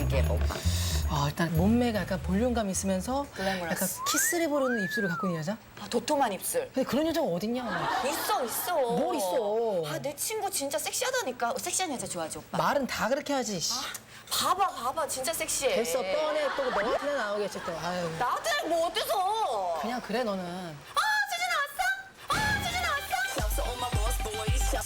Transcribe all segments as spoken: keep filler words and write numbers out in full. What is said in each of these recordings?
느낌이야 오빠. 아, 일단 몸매가 약간 볼륨감 있으면서 글래머러스. 약간 키스를 부르는 입술을 갖고 있는 여자? 아, 도톰한 입술. 근데 그런 여자가 어딨냐? 있어 있어. 뭐 있어? 아, 내 친구 진짜 섹시하다니까. 섹시한 여자 좋아하지 오빠. 말은 다 그렇게 하지. 씨. 봐봐 봐봐 진짜 섹시해. 됐어, 뻔해. 또 너 같은 애 나오겠지 또. 아유. 나한테 뭐 어때서? 그냥 그래, 너는. 아, 수지 나왔어? 아, 수지 나왔어?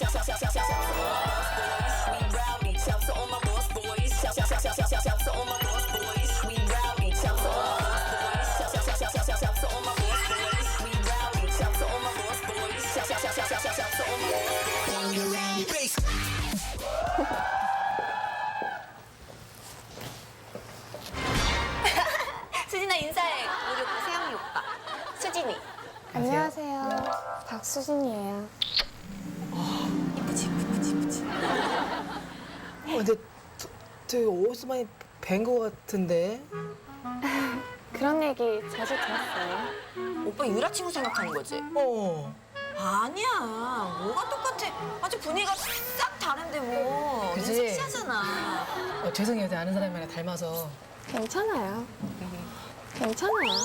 수진아 인사해. 우리 오빠 세영이 오빠. 수진이. 안녕하세요. 박수진이에요. 이쁘지 이쁘지 이쁘지. 어, 근데 저- 되게 어디서 많이 뵌 거 같은데? 그런 얘기 자주 들었어요. 오빠 유라 친구 생각하는 거지? 어. 아니야. 뭐가 똑같아. 아주 분위기가 싹 다른데 뭐. 넌 그지? 섹시하잖아. 어, 죄송해요. 내가 아는 사람이랑 닮아서. 괜찮아요. 괜찮아요.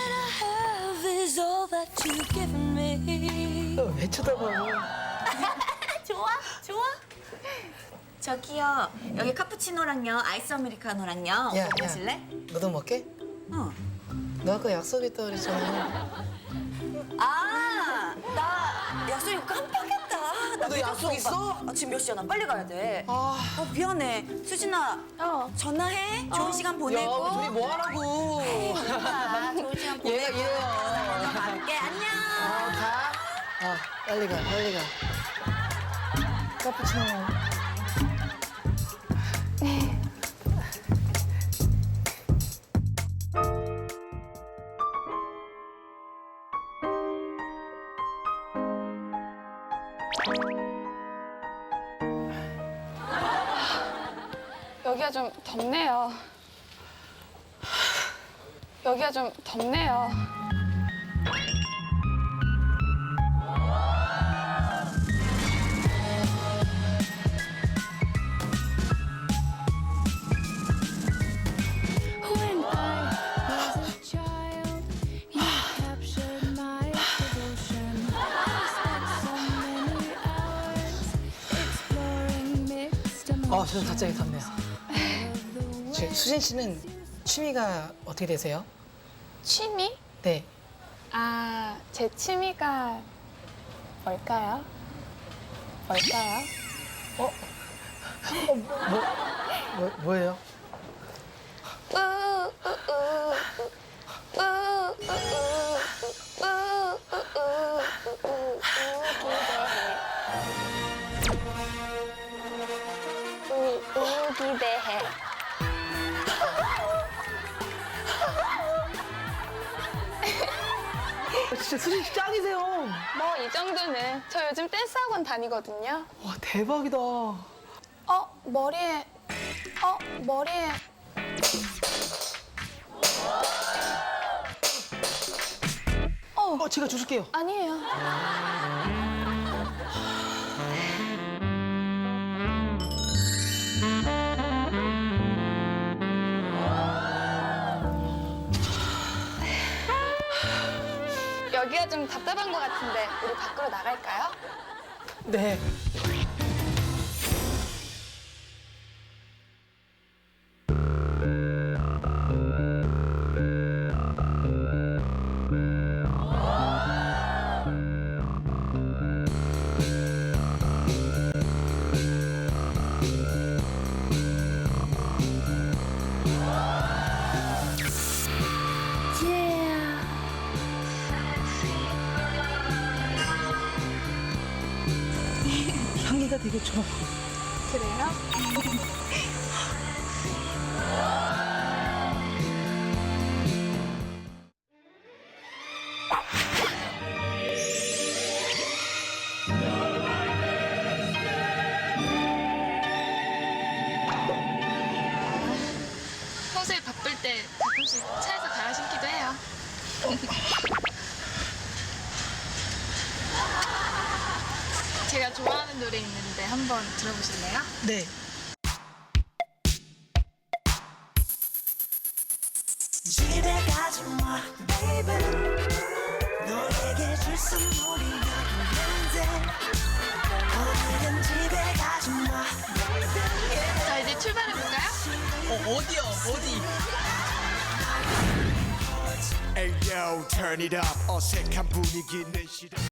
어, 왜 쳐다봐? 좋아? 좋아? 저기요. 여기 카푸치노랑요. 아이스 아메리카노랑요. 야, 오빠 야. 마실래? 너도 먹게? 어. 너 아까 약속했다 그랬잖아. 아, 나 약속 이거 깜빡했다. 나 너 늦었어, 약속 오빠. 있어? 아, 지금 몇 시야? 나 빨리 가야 돼. 아. 어, 미안해. 수진아, 어. 전화해. 좋은 시간 야, 보내고. 우리 둘이 뭐 하라고? 오빠, 좋은 시간 보내고. 얘가 얘야. 나 갈게. 안녕. 어, 가. 어, 빨리 가, 빨리 가. 카푸치노. 여기가 좀 덥네요. 여기가 좀 덥네요. When I was a child, you captured my devotion. I spent so many hours exploring mixed 어, emotions. 저는 갑자기 덥네요. 저, 수진 씨는 취미가 어떻게 되세요? 취미? 네. 아, 제 취미가 뭘까요? 뭘까요? 어, 뭐, 뭐, 뭐예요? 우, 우, 우, 우, 우, 우, 우, 우, 우, 우, 우, 우, 기대해. 어, 진짜 수진 씨 짱이세요. 뭐 이 정도는 저 요즘 댄스 학원 다니거든요. 와, 대박이다. 어, 어 머리에 어 머리에 어 제가 주실게요. 아니에요. 여기가 좀 답답한 것 같은데 우리 밖으로 나갈까요? 네. 향기가 되게 좋아. 그래요? 평소에 바쁠 때 가끔씩 차에서 갈아 신기도 해요. 제가 좋아하는 노래 있는데 한번 들어보실래요? 네. 가지 마, baby. 너에게 줄 선물이 여기 있는데 오늘은 집에 가지 마, baby. 자, 이제 출발해볼까요? 어, 어디요? 어디? Ayo, turn it up. 어색한 분위기는 싫어.